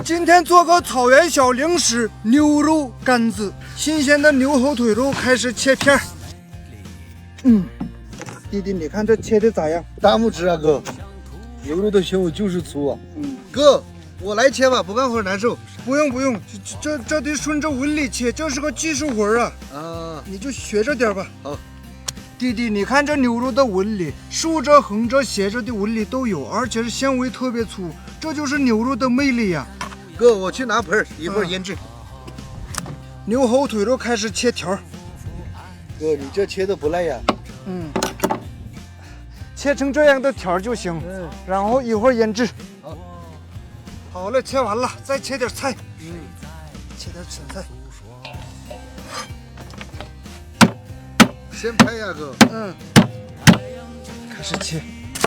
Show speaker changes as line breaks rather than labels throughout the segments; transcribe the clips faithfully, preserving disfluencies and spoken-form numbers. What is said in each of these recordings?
今天做个草原小零食——牛肉干子。新鲜的牛后腿肉开始切片儿。嗯，弟弟，你看这切的咋样？
大拇指啊，哥！牛肉的纤维就是粗啊。
嗯，
哥，我来切吧，不干活难受。
不用不用，这这这得顺着纹理切，这是个技术活啊。
啊，
你就学着点吧。
好。
弟弟，你看这牛肉的纹理，竖着、横着、斜着的纹理都有，而且是纤维特别粗，这就是牛肉的魅力呀。
哥，我去拿盆儿，一会儿腌制。
嗯、牛后腿肉开始切条。
哥，你这切的不赖呀。
嗯，切成这样的条就行。嗯，然后一会儿腌制。
好，
好了，切完了，再切点菜。
嗯，
切点青菜。
先拍呀，哥。
嗯，开始切。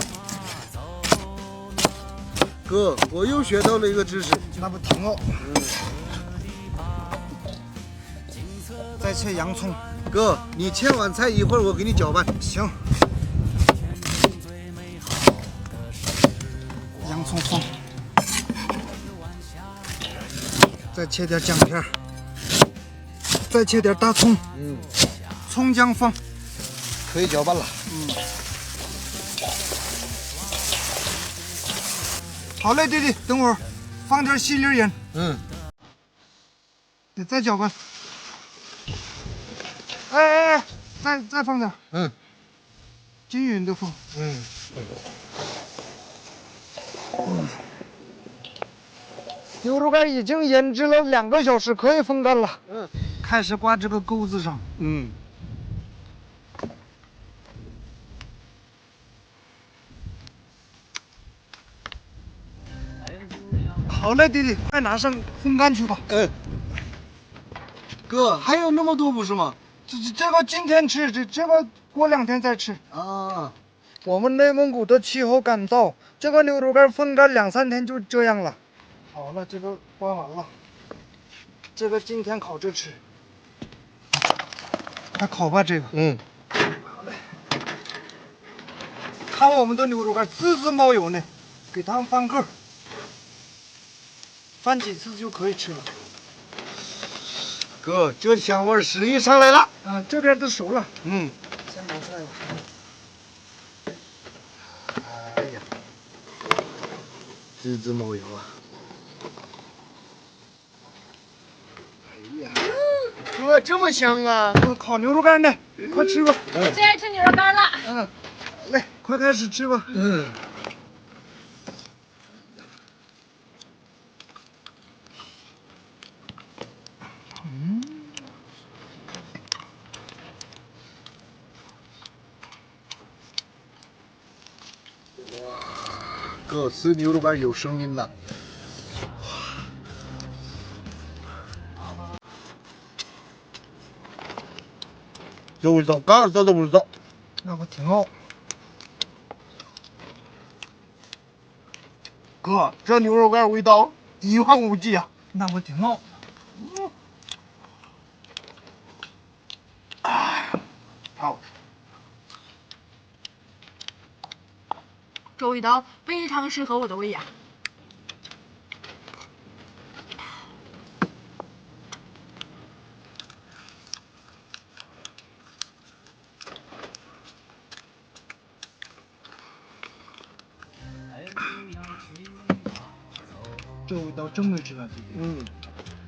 哥，我又学到了一个知识。
那不挺好？
嗯。
再切洋葱。
哥，你切完菜一会儿我给你搅拌。
行。洋葱放。再切点姜片。再切点大葱。
嗯。
葱姜放。
可以搅拌了。
嗯。好嘞，弟弟，等会儿放点细粒盐。
嗯。
你再搅拌。哎哎哎，再再放点。
嗯。
均匀的放。
嗯。
嗯。牛肉干已经腌制了两个小时，可以风干了。
嗯。
开始挂这个钩子上。
嗯。
好嘞，弟弟，快拿上风干去吧。
嗯。哥，还有那么多不是吗？
这这这个今天吃，这这个过两天再吃。
啊。
我们内蒙古的气候干燥，这个牛肉干风干两三天就这样了。好了，这个关完了，这个今天烤着吃。快烤吧，这个。
嗯。
好嘞。看我们的牛肉干滋滋冒油呢，给它们翻个，翻几次就可以吃了。
哥，这香味食欲上来了。
啊，这边都熟了。
嗯。
先拿出来吧。
哎呀，滋滋冒油啊！哎呀，哥这么香啊！
烤牛肉干呢，快吃吧。
我最爱吃牛肉干了。
嗯，来，快开始吃吧。
嗯。
嗯。
哥，吃牛肉干有声音了。这味道，嘎子的味道，
那不挺好？
哥，这牛肉干味道一望无际啊！
那不挺好？
嗯。哎，好。
这味道非常适合我的胃呀。
这味道真没吃啊，弟弟。
嗯。